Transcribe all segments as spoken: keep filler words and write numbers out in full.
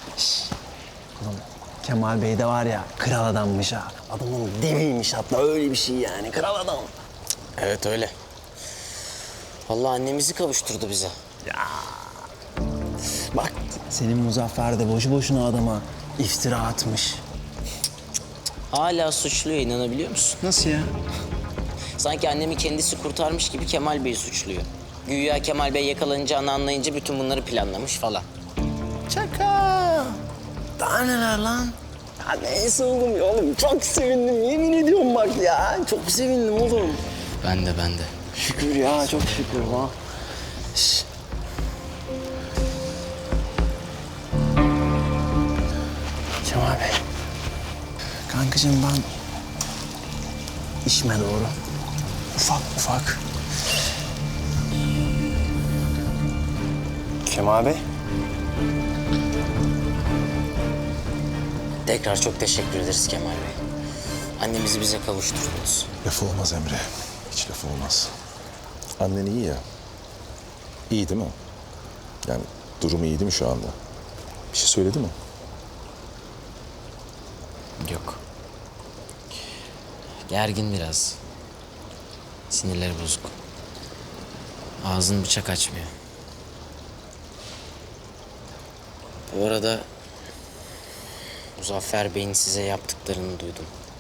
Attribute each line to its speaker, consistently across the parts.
Speaker 1: Oğlum Kemal Bey de var ya kral adammış ha. Adamın deviymiş hatta öyle bir şey yani kral adam.
Speaker 2: Evet öyle. Vallahi annemizi kavuşturdu bize.
Speaker 1: Bak senin Muzaffer de boşu boşuna adama iftira atmış.
Speaker 2: Hala suçluyor, inanabiliyor musun?
Speaker 1: Nasıl ya?
Speaker 2: Sanki annemi kendisi kurtarmış gibi Kemal Bey'i suçluyor. Güya Kemal Bey yakalanacağını anlayınca bütün bunları planlamış falan.
Speaker 1: Şaka. Daha neler lan? Ya neyse oğlum ya oğlum çok sevindim yemin ediyorum bak ya. Çok sevindim oğlum.
Speaker 2: Ben de ben de.
Speaker 1: Şükür ya çok şükür ha. Şş. Kemal Bey. Kankacığım ben işime doğru ufak ufak. Kemal Bey.
Speaker 2: Tekrar çok teşekkür ederiz Kemal Bey. Annemizi bize kavuşturdunuz.
Speaker 3: Lafı olmaz Emre. Hiç lafı olmaz. Annen iyi ya. İyi değil mi? Yani durumu iyi değil mi şu anda? Bir şey söyledi mi?
Speaker 2: Yok. Gergin biraz. Sinirleri bozuk. Ağzını bıçak açmıyor. Bu arada Muzaffer Bey'in size yaptıklarını duydum.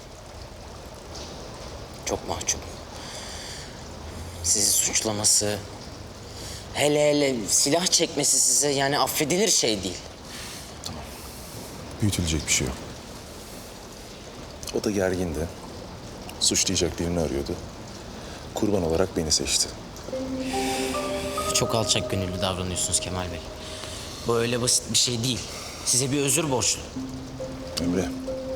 Speaker 2: Çok mahcup. Sizi suçlaması, hele hele silah çekmesi size yani affedilir şey değil.
Speaker 3: Büyütülecek bir şey yok. O da gergindi. Suçlayacak birini arıyordu. Kurban olarak beni seçti.
Speaker 2: Çok alçak gönüllü davranıyorsunuz Kemal Bey. Bu öyle basit bir şey değil. Size bir özür borçlu.
Speaker 3: Emre.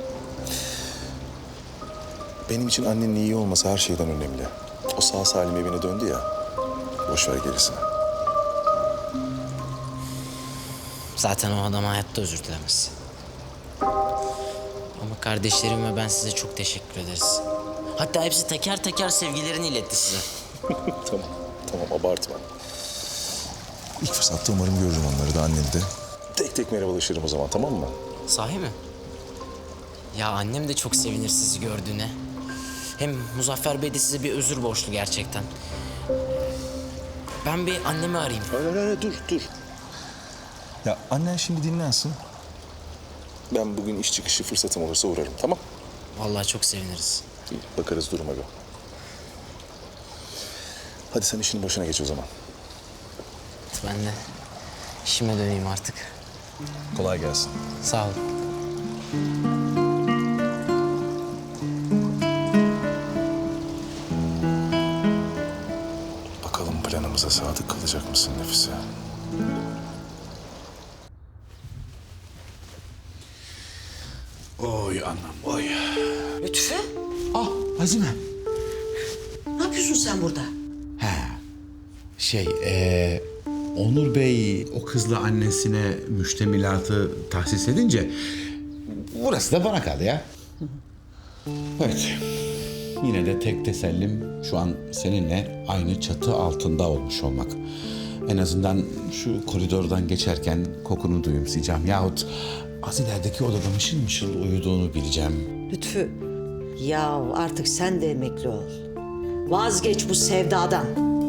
Speaker 3: Benim için annenin iyi olması her şeyden önemli. O sağ salim evine döndü ya. Boş ver gerisini.
Speaker 2: Zaten o adam hayatta özür dilemez. Ama kardeşlerim ve ben size çok teşekkür ederiz. Hatta hepsi teker teker sevgilerini iletti size.
Speaker 3: Tamam, tamam abartma. İlk fırsatta umarım görürüm onları da anneni de. Tek tek merhabalaşırım o zaman, tamam mı?
Speaker 2: Sahi mi? Ya annem de çok sevinir sizi gördüğüne. Hem Muzaffer Bey de size bir özür borçlu gerçekten. Ben bir annemi arayayım.
Speaker 3: Hayır, hayır, hayır, dur, dur. Ya annen şimdi dinlensin. Ben bugün iş çıkışı fırsatım olursa uğrarım, tamam?
Speaker 2: Vallahi çok seviniriz.
Speaker 3: İyi, bakarız duruma göre. Hadi sen işinin başına geç o zaman.
Speaker 2: Ben de işime döneyim artık.
Speaker 3: Kolay gelsin.
Speaker 2: Sağ olun.
Speaker 3: Bakalım planımıza sadık kalacak mısın Nefise?
Speaker 4: Oy anam oy.
Speaker 5: Lütfü,
Speaker 4: Ah Azime.
Speaker 5: ne yapıyorsun sen burada?
Speaker 4: He. Şey ee, Onur Bey o kızla annesine müştemilatı tahsis edince burası da bana kaldı ya. Evet. Yine de tek tesellim şu an seninle aynı çatı altında olmuş olmak. En azından şu koridordan geçerken kokunu duyumsayacağım yahut az ilerideki odada mışıl mışıl uyuduğunu bileceğim.
Speaker 5: Lütfü, ya artık sen de emekli ol. Vazgeç bu sevdadan.